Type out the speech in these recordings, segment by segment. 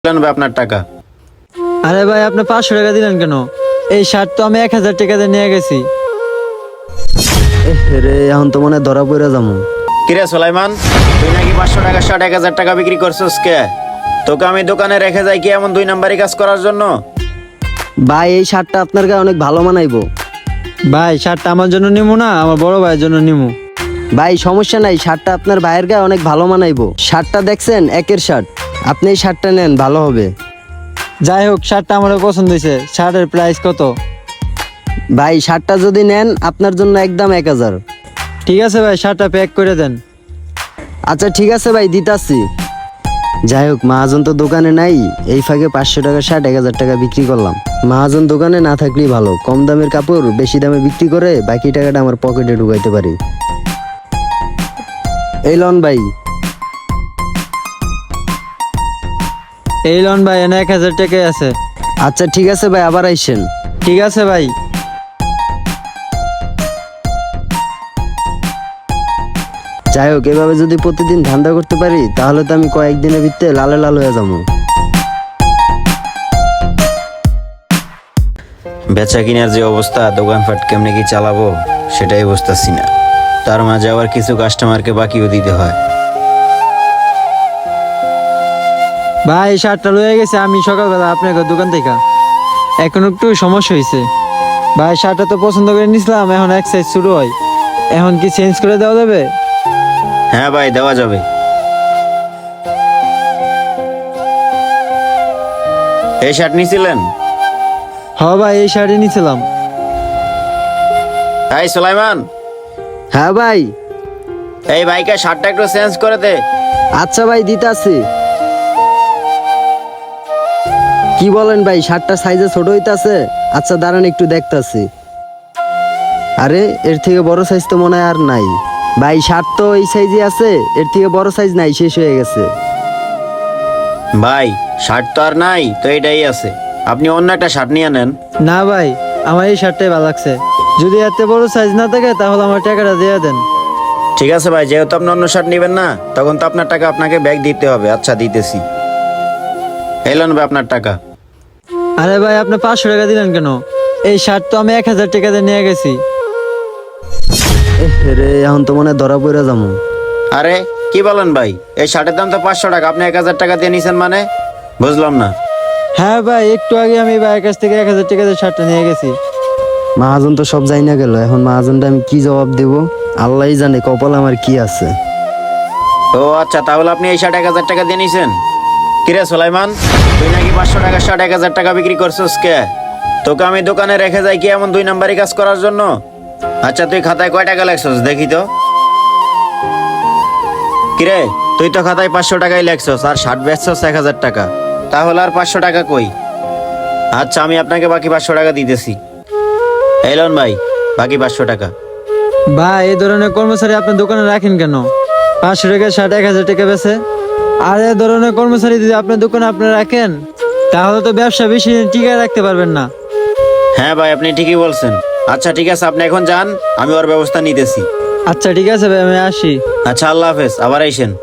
আপনার টাকা। আরে ভাই আপনি 500 টাকা দিলেন কেন? এই শার্ট তো আমি 1000 টাকা দিয়ে নিয়ে গেছি। রে এখন তো মনে হয় ধরা পড়ে যাবো। কিরে সুলাইমান, তুই নাকি 500 টাকা শার্ট 1000 টাকা বিক্রি করছিস কে? তোকে আমি দোকানে রেখে যাই কি এমন 2 নাম্বারি কাজ করার জন্য? ভাই এই শার্টটা আপনার গায়ে অনেক ভালো মানাইবো। ভাই শার্টটা আমার জন্য নিমু না, আমার বড় ভাইয়ের জন্য নিমু। ভাই সমস্যা নাই, শার্টটা আপনার ভাইয়ের গায়ে অনেক ভালো মানাইবো। শার্টটা দেখছেন একের শার্ট, আপনি এই শার্টটা নেন, ভালো হবে। যাই হোক, শার্টটা আমারও পছন্দ হয়েছে। শার্টের প্রাইস কত? ভাই শার্টটা যদি নেন আপনার জন্য একদম 1000। ঠিক আছে ভাই, শার্টটা প্যাক করে দেন। আচ্ছা ঠিক আছে ভাই, দিতাছি। যাই হোক, মহাজন তো দোকানে নাই, এই ফাঁকে 500 টাকা শার্ট 1000 টাকা বিক্রি করলাম। মহাজন দোকানে না থাকলেই ভালো, কম দামের কাপড় বেশি দামে বিক্রি করে বাকি টাকাটা আমার পকেটে ঢুকাইতে পারি। এই লন ভাই। এই লোন ভাই, এনে 1000 টাকাই আছে। আচ্ছা ঠিক আছে ভাই, আবার আইসেন। ঠিক আছে ভাই। যাই হোক, এভাবে যদি প্রতিদিন ধান্দা করতে পারি তাহলে তো আমি কয়েকদিনের ভিতরে লালে লাল হয়ে যাবো। বেচা কিনার যে অবস্থা, দোকানপাট কেমনে কি চালাবো সেটাই বুঝতেছি না। তার মাঝে আবার কিছু কাস্টমারকে বাকিও দিতে হয়। ভাই শার্টটা লয়ে গেছে আমি সকালবেলা আপনার দোকান থেকে। এখন একটু সমস্যা হয়েছে ভাই, শার্টটা তো পছন্দ করে নিছিলাম, এখন এক সাইজ শুরু হয়। এখন কি চেঞ্জ করে দেওয়া যাবে? হ্যাঁ ভাই, দেওয়া যাবে। এই শার্ট নিছিলেন? হ ভাই, এই শার্টই নিছিলাম। এই সুলাইমান, হ্যাঁ ভাই। এই ভাইকে শার্টটা একটু চেঞ্জ করে দে। আচ্ছা ভাই, দিতাছি। কি বলেন ভাই, শার্টটা সাইজে ছোট হইতাছে? আচ্ছা দাঁড়ান একটু দেখতাছি। আরে এর থেকে বড় সাইজ তো মনে হয় আর নাই। ভাই শার্ট তো এই সাইজে আছে, এর থেকে বড় সাইজ নাই, শেষ হয়ে গেছে। ভাই শার্ট তো আর নাই, তো এটাই আছে। আপনি অন্য একটা শার্ট নিয়ে নেন। না ভাই, আমার এই শার্টটাই ভালো লাগছে। যদি এত বড় সাইজ না থাকে তাহলে আমার টাকাটা দিয়ে দেন। ঠিক আছে ভাই, যেহেতু আপনি অন্য শার্ট নেবেন না, তখন তো আপনার টাকা আপনাকে ব্যাগ দিতে হবে। আচ্ছা দিতেছি। এলেন ভাই আপনার টাকা। আরে ভাই আপনি 500 টাকা দিলেন কেন? এই শার্ট তো আমি 1000 টাকা দিয়ে নিয়ে গেছি। রে এখন তো মনে হয় ধরা পড়ে যাবো। আরে কি বলেন ভাই, এই শার্টের দাম তো 500 টাকা, আপনি 1000 টাকা দিয়ে নিছেন মানে? বুঝলাম না। হ্যাঁ ভাই, একটু আগে আমি ভাইয়ের কাছ থেকে 1000 টাকা দিয়ে শার্টটা নিয়ে গেছি। মহাজন তো সব যাই না গেল, এখন মহাজনটা আমি কি জবাব দেব? আল্লাহই জানে কপাল আমার কি আছে। ও আচ্ছা, তাহলে আপনি এই শার্ট 1000 টাকা দিয়ে নিছেন? কিরে সুলাইমান, তুই নাকি 500 টাকা শার্ট 1000 টাকা বিক্রি করছিস কে? তোকে আমি দোকানে রেখে যাই কি এমন 2 নাম্বারি কাজ করার জন্য? আচ্ছা তুই খাতায় কয় টাকা লেখছস দেখি তো। কিরে, তুই তো খাতায় 500 টাকাই লেখছস আর শার্ট বেচছস 1000 টাকা, তাহলে আর 500 টাকা কই? আচ্ছা আমি আপনাকে বাকি 500 টাকা দিতেছি। এলন ভাই, বাকি 500 টাকা। ভাই এই ধরনের কর্মচারী আপনার দোকানে রাখেন কেন? 500 টাকা শার্ট 1000 টাকা বেচে। আর এই ধরনের কর্মচারী যদি আপনার দোকানে আপনি রাখেন তাহলে তো ব্যবসা বেশি দিন টিকায় রাখতে পারবেন না। হ্যাঁ ভাই, আপনি ঠিকই বলছেন। আচ্ছা ঠিক আছে, আপনি এখন যান, আমি ওর ব্যবস্থা নিতেছি। আচ্ছা ঠিক আছে ভাই, আমি আসি। আচ্ছা আল্লাহ হাফেজ, আবার আইসেন।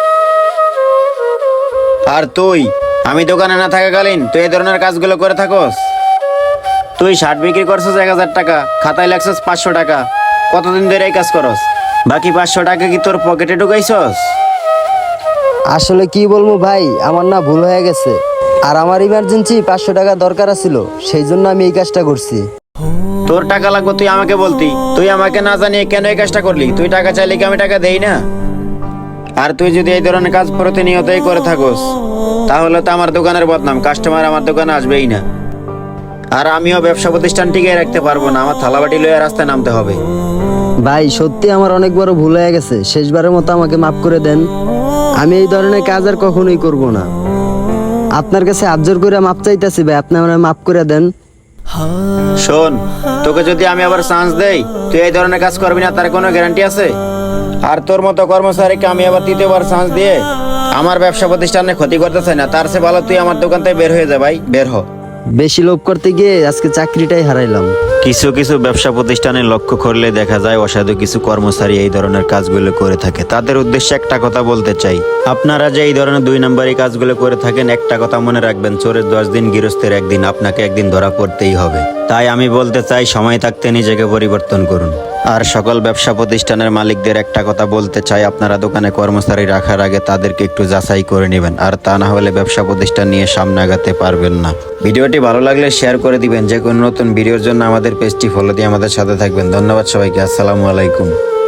আর তুই, আমি দোকানে না থাকাকালীন তুই এই ধরনের কাজগুলো করে থাকস? তুই শার্ট বিক্রি করছিস 1000 টাকা, খাতায় লেখছিস 500 টাকা। কতদিন ধরে এই কাজ করস? বাকি 500 টাকা কি তোর পকেটে ঢুকাইছস? আসলে কি বলবো ভাই, আমার না ভুল হয়ে গেছে। আর আমার ইমার্জেন্সি 500 টাকা দরকার ছিল, সেই জন্য আমি এই কাজটা করছি। তোর টাকা লাগবে তুই আমাকে বলতি, তুই আমাকে না জানিয়ে কেন এই কাজটা করলি? তুই টাকা চাইলে কি আমি টাকা দেই না? আর তুই যদি এই ধরনের কাজ প্রতিনিয়তই করে থাকস তাহলে তো আমার দোকানের বদনাম, কাস্টমার আমার দোকানে আসবেই না। আর আমিও ব্যবসা প্রতিষ্ঠান টিকিয়ে রাখতে পারবো না, আমার থালাবাটি লইয়া রাস্তায় নামতে হবে। ভাই সত্যি আমার অনেক বড় ভুল হয়ে গেছে, শেষবারের মতো আমাকে মাফ করে দেন। আমি এই ধরনের কাজ আর কখনোই করব না। আপনার কাছে হাত জোর করে মাপ চাইতেছি ভাই, আপনি আমার মাফ করে দেন। শোন, তোকে যদি আমি আবার চান্স দেই তুই এই ধরনের কাজ করবি না তার কোনো গ্যারান্টি আছে? আর তোর মতো কর্মচারীকে আমি আবার তৃতীয়বার চান্স দিয়ে আমার ব্যবসা প্রতিষ্ঠানে ক্ষতি করতে চাই না। তার চেয়ে ভালো তুই আমার দোকান থেকে বের হয়ে যা ভাই, বের হ। বেশি লোভ করতে গিয়ে আজকে চাকরিটাই হারাইলাম। কিছু কিছু ব্যবসা প্রতিষ্ঠানে লক্ষ্য করলে দেখা যায় অসাধু কিছু কর্মচারী এই ধরনের কাজগুলো করে থাকে। তাদের উদ্দেশ্যে একটা কথা বলতে চাই, আপনারা যে এই ধরনের 2 নম্বরী কাজগুলো করে থাকেন, একটা কথা মনে রাখবেন, চোরের 10 দিন গৃহস্থের 1 দিন, আপনাকে একদিন ধরা পড়তেই হবে। তাই আমি বলতে চাই, সময় থাকতে নিজেকে পরিবর্তন করুন। আর সকল ব্যবসা প্রতিষ্ঠানের মালিকদের একটা কথা বলতে চাই, আপনারা দোকানে কর্মচারী রাখার আগে তাদেরকে একটু যাচাই করে নেবেন, আর তা না হলে ব্যবসা প্রতিষ্ঠান নিয়ে সামনে আগাতে পারবেন না। ভিডিওটি ভালো লাগলে শেয়ার করে দিবেন। যে কোনো নতুন ভিডিওর জন্য আমাদের পেজটি ফলো দিয়ে আমাদের সাথে থাকবেন। ধন্যবাদ সবাইকে। আসসালামু আলাইকুম।